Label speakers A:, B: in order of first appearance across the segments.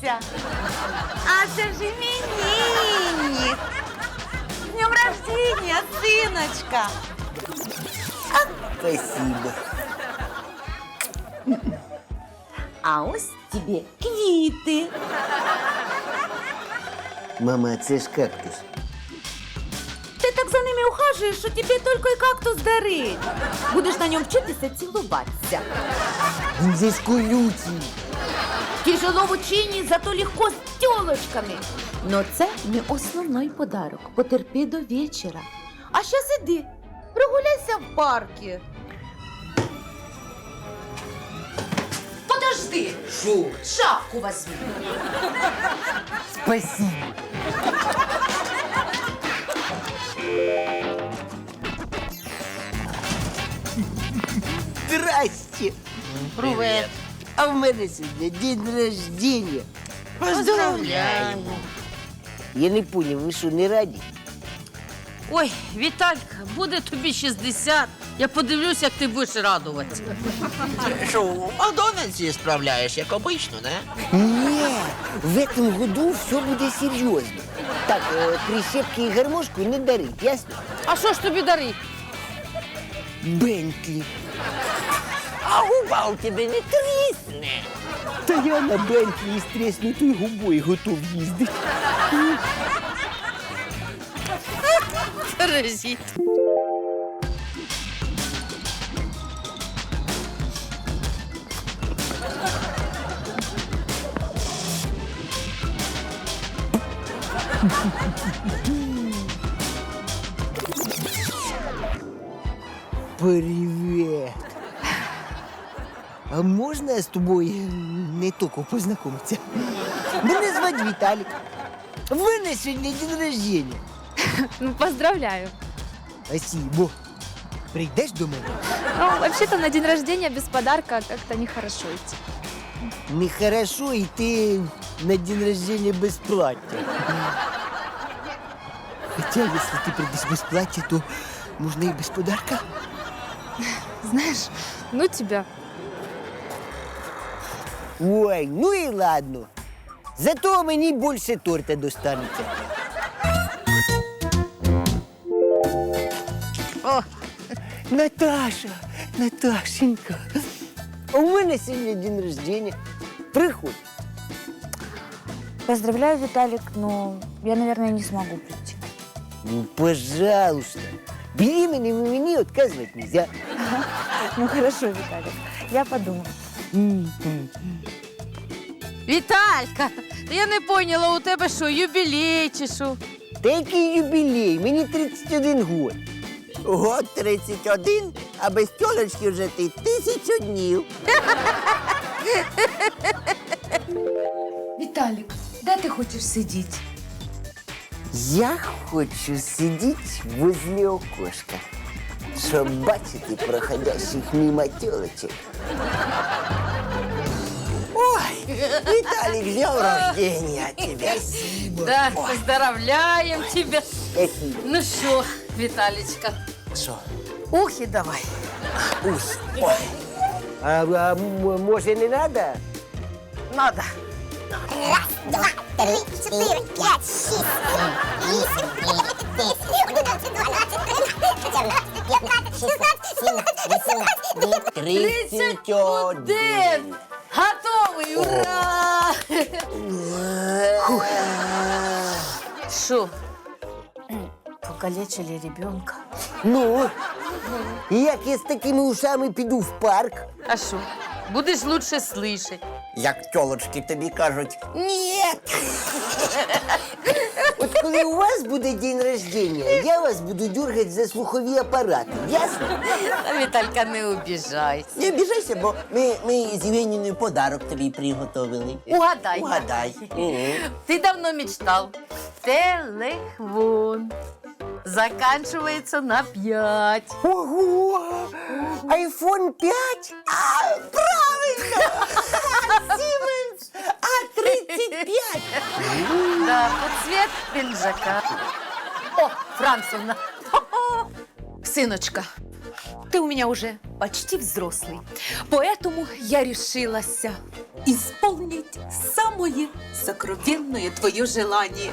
A: Вася. А це ж іменинник. З днем рождения, синочка.
B: Спасибо.
A: А ось тебе квіти.
B: Мама, це ж кактус.
A: Ти так за ними ухажуєш, що тобі тільки й кактус дарить. Будеш на ньому вчитися цілуватися.
B: Він же ж колючий.
A: Тяжело в ученні, зато легко з тілочками. Но це не основний подарок. Потерпи до вечора. А щас іди, прогуляйся в парку. Подожди.
B: Шо?
A: Шапку возьми.
B: Спасибо. Здрасте.
A: Привет.
B: А в мене сьогодні день рождения.
A: Поздравляю.
B: Я не понял, ви що, не раді?
C: Ой, Віталька, буде тобі 60. Я подивлюсь, як ти будеш радуватися.
D: Що, у Макдональдсі справляєш, як обично, не?
B: Ні, в этом году все буде серйозно. Так, прищепки і гармошку не дарить, ясно?
C: А що ж тобі дарить?
B: Бентлі.
D: А губа у тебе не трісне.
B: Та я на Бентлі із треснутою губою готов їздити.
C: Паразит.
B: Привет. А можна я з тобою не тільки познайомитися? Мене звати Віталік. В мене сьогодні день рождения.
E: Ну, поздравляю.
B: Спасибо. Прийдеш до мене?
E: Ну, вообще-то на день рождения без подарка как-то нехорошо идти.
B: Нехорошо йти на день рождения без плаття. Хотя, если ты придешь без плаття, то можно и без подарка.
E: Знаешь, ну тебя.
B: Ой, ну и ладно. Зато мені більше торта достанеться.
C: О,
B: Наташа, Наташенька, у мене сьогодні день рождения. Приходь.
F: Поздравляю, Виталик, но я, наверное, не смогу прийти.
B: Ну, пожалуйста. Беременным мені отказывать нельзя.
F: Ну хорошо, Виталик, я подумаю.
C: Віталька, я не поняла, у тебе що, юбілей чи що?
B: Та який юбілей? Мені 31 год.
D: Год 31, а без тьолочки вже ти 1000 днів.
A: Віталік, де ти хочеш сидіти?
B: Я хочу сидіти возле окошка, щоб бачити проходящих мимо тілочек.
D: Ой, Віталік, з днем рождения тебе.
C: Да, поздравляємо тебе.
B: Спасибо.
C: Ну що, Віталічка?
D: Що?
C: Ухи давай.
D: Ой,
B: Може не надо?
C: Надо.
D: один.
C: Готовий, ура! Що?
F: Покалечили ребенка.
B: Ну, як я з такими ушами піду в парк?
C: А що? Будеш лучше слышать.
D: Як тьолочки тобі кажуть, ні.
B: От коли у вас буде день рождения, я вас буду дергати за слухові апарати. Ясно?
C: А Віталька, не обіжайся.
D: Не обіжайся, бо ми з Євгенією подарок тобі приготовили.
C: Угадай.
D: Угадай.
C: Ты давно мечтал. Телефон. Заканчивается на 5.
B: Ого! Айфон 5?
D: Правильно! Сіменс А35.
C: Да, под цвет пиджака. О, Францевна. Сыночка, ты у меня уже
G: почти взрослый. Поэтому я решилась исполнить самое сокровенное твое желание.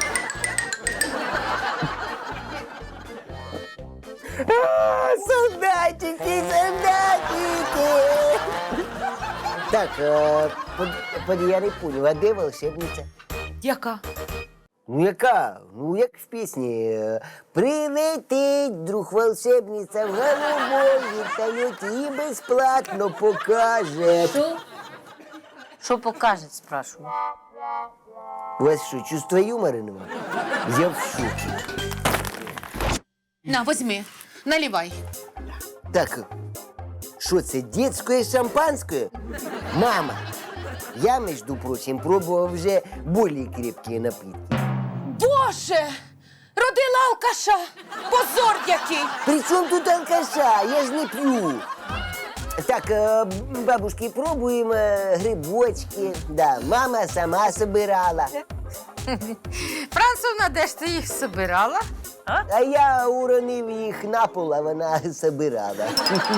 B: Солдатики, солдатики! Так, я не понял, а де волшебниця?
G: Яка?
B: Ну яка? Ну як в пісні. Прилетить, друг волшебниця в голубой вертольоті і безплатно покаже.
C: Що покаже, спрашиваю?
B: У вас що, чувство юмора нема? Я в шокі.
G: На, возьми, наливай.
B: Так, що це, детське шампанське? Мама, я, между прочим, пробував вже більш крепкі напитки.
G: Боже! Родила алкаша! Позор який!
B: При чому тут алкаша? Я ж не п'ю. Так, бабушки, пробуємо грибочки. Да, мама сама собирала.
C: Францовна, де ж ти їх собирала?
B: А я уронив їх на пол, а вона собирала.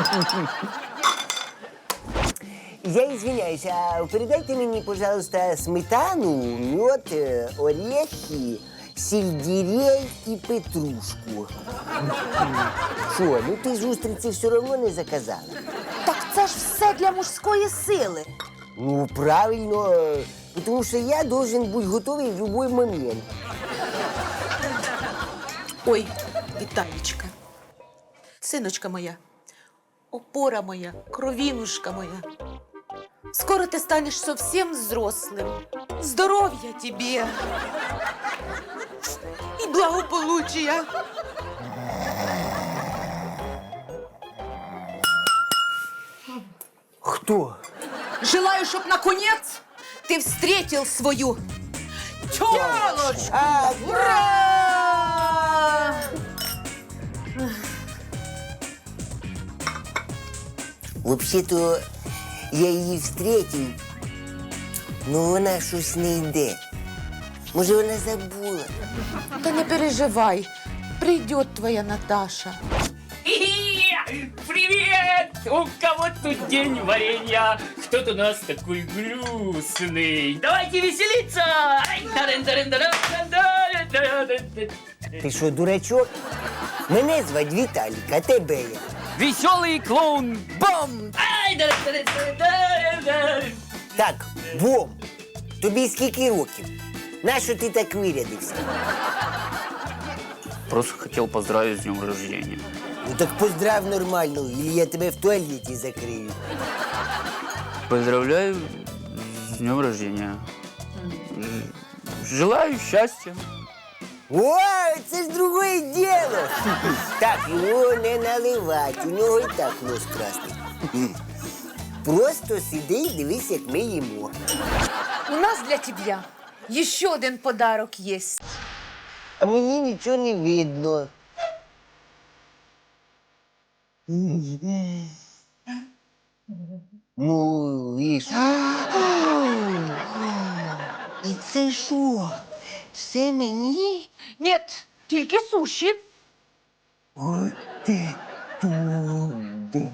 B: Я извиняюсь, а передайте мені, пожалуйста, сметану, мед, орехи, сельдерей і петрушку. Що, ну ти ж устриці все одно не заказала?
A: Так це ж все для мужської сили.
B: Ну, правильно, тому що я должен бути готовий в будь-який момент.
G: Ой, Віталічка, синочка моя, опора моя, кровинушка моя. Скоро ты станешь совсем взрослым. Здоровья тебе и благополучия.
B: Хто?
G: Желаю, чтоб наконец ты встретил свою тёлочку.
B: Ура! Взагалі-то я її встретив, але вона щось не йде. Може, вона забула.
G: Да не переживай, придет твоя Наташа.
H: Привет! У кого тут день варенья? Кто-то у нас такой грустный. Давайте веселиться! Ай, таран-таран-таран-таран-таран-таран.
B: Ти що, дурачок? Мене звать Віталік, а тебе як?
H: Веселый клоун Бом! Ай, таран-таран-таран-таран.
B: Так, Бом, тобі скільки років? Нащо ти так вирядився?
H: Просто хотел поздравить с днем рождения.
B: Ну так поздрав нормально, или я тебе в туалеті закрию.
H: Поздравляю с днем рождения. Желаю счастья.
B: О, це ж другое діло. Так, його не наливать, у нього і так нос красний. Просто сиди і дивись, як ми їмо.
G: У нас для тебя еще один подарок есть.
B: А мені нічого не видно. Ну, і ж. І це що? Все мені?
G: Нет, тільки суші.
B: Ой, ти туди.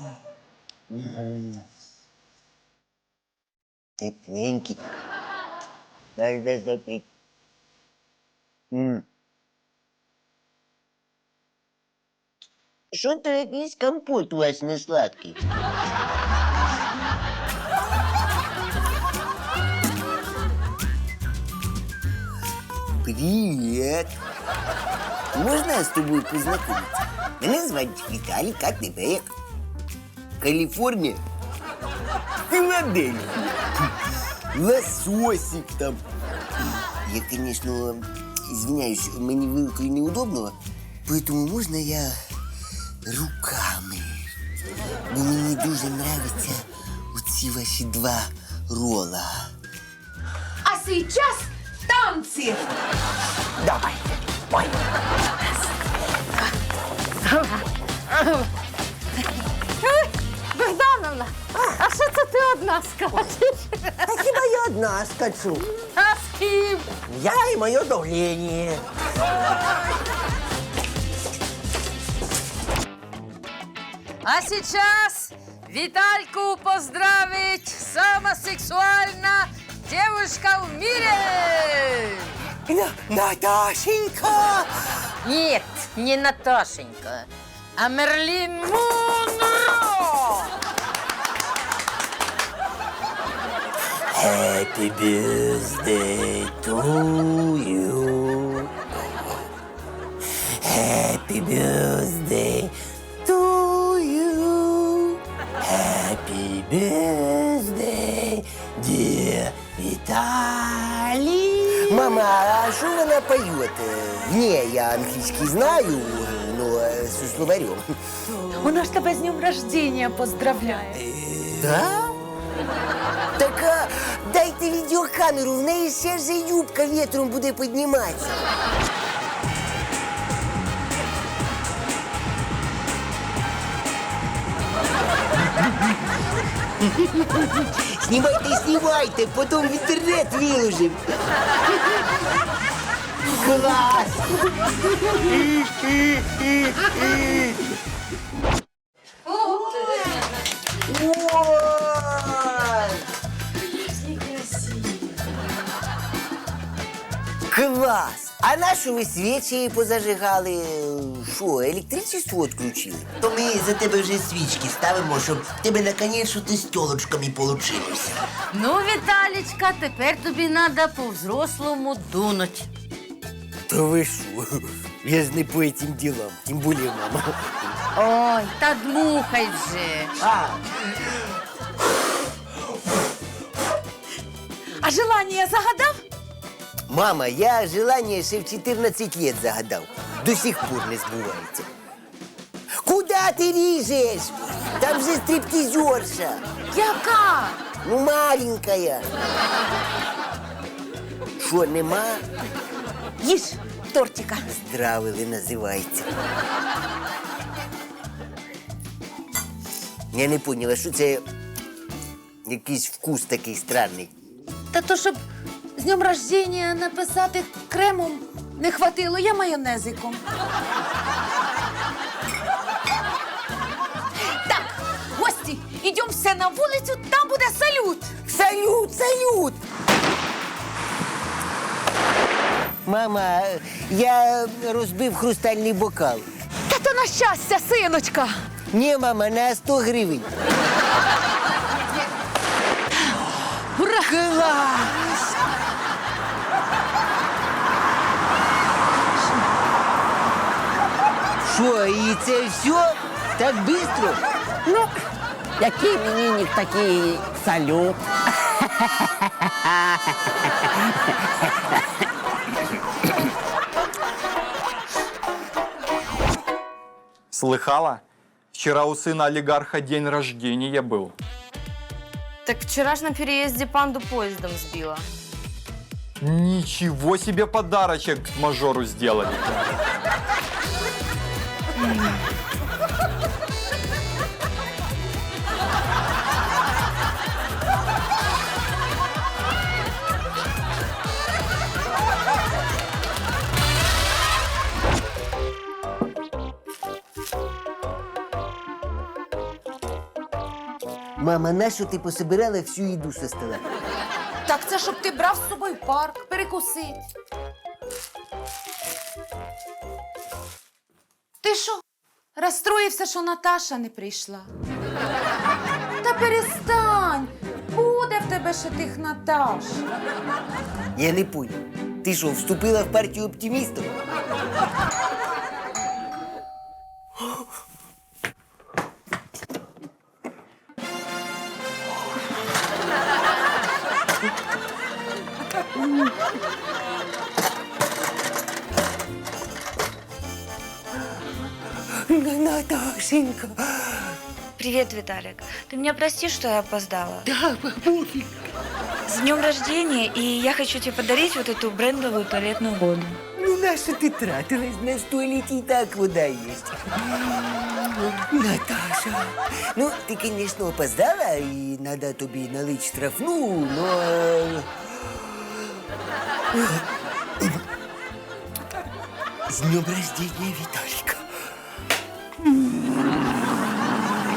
B: Тепленький. Дай запить. Що то якийсь компот у вас не сладкий? Привет! Можна я з тобою познайомитися? Мене звати Віталік, а тебе як? Каліфорнія? Філадельфія. Лососик там. Я, конечно, извиняюсь, мені вилкою неудобно, поэтому можна я руками? Бо мені дуже нравяться оці ваші два рола.
G: А сейчас танцы.
B: Давай. Ой.
C: Богдановна, а що це ти одна скачеш?
D: А хіба я одна скачу?
C: А з ким?
D: Я і моє давлення.
C: А сейчас Витальку поздравить самая сексуальная девушка в мире!
B: Наташенька!
C: Нет, не Наташенька, а Мерлин Монро!
B: Happy birthday to you. Happy birthday to you. Happy birthday, dear Виталий. Мама, а что она поет? Не, я английский знаю, но со словарем.
G: Вона ж тебе з днем рождения поздравляє.
B: Да? Так дайте відеокамеру, в неї ще ж юбка вітром буде підніматися. Знімайте, потім в інтернет виложимо. Клас! Клас! А на що ви свічі позажигали? Що, електричество відключили?
D: То ми за тебе вже свічки ставимо, щоб в тебе наконець ти з тілочками получилося.
C: Ну, Віталічка, тепер тобі треба по-взрослому дунуть.
B: Та ви що? Я ж не по цим ділам, тим більше мама.
C: Ой, та дмухай вже.
G: А желання загадав?
B: Мама, я желание ще в 14 лет загадав. До сих пор не збувається. Куда ти ріжеш? Там же стриптизерша.
G: Яка?
B: Ну, маленькая. Що, нема?
G: Їж тортика.
B: Здравили називається. Я не поняла, що це якийсь вкус такий странний.
G: Та то, щоб з днем рождения написати кремом не хватило, я майонезиком. Так, гості, ідемо все на вулицю, там буде салют.
B: Салют, салют! Мама, я розбив хрустальний бокал.
G: Та то на щастя, синочка.
B: Ні, мама, на 100 гривень.
C: Ура!
B: Клас! Що, і це все? Так швидко?
I: Ну, який іменинник, такий салют.
J: Слыхала? Вчера у сына олигарха день рождения был.
E: Так вчера ж на переезде панду поездом сбила.
J: Ничего себе подарочек мажору сделали.
B: Мама, нащо ти пособирала всю їду со стола?
G: Так це щоб ти брав з собою в парк, перекусить. Ти що, розстроївся, що Наташа не прийшла? Та перестань! Буде в тебе ще тих Наташ.
B: Я не понял. Ти що, вступила в партію оптимістів? Наташенька.
E: Привет, Виталик. Ты меня прости, что я опоздала.
B: Да, пофиг.
E: С днем рождения, и я хочу тебе подарить вот эту брендовую туалетную воду.
B: Ну, на що ти тратилась? На туалеті і так вода є. Наташа, ну, ти, звісно, опоздала, і треба тобі налити штрафну, но... З днем рождения, Віталіка.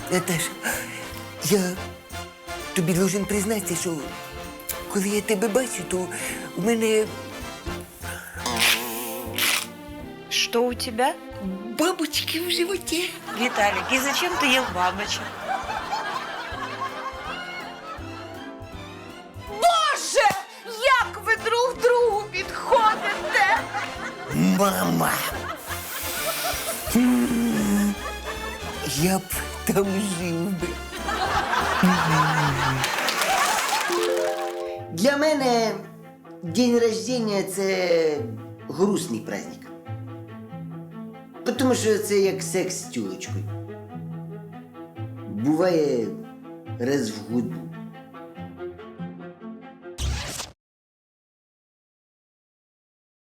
B: Наташа, я тобі должен признатися, що коли я тебе бачу, то у мене
E: Что у тебя?
B: бабочки в животі.
E: Виталик, и зачем ты ел бабочек?
G: Боже, як ви друг другу підходите!
B: Мама! Я б там жив би. Для мене день рождения – це грустний праздник. Тому що це як секс з тюлечкою. Буває раз в году.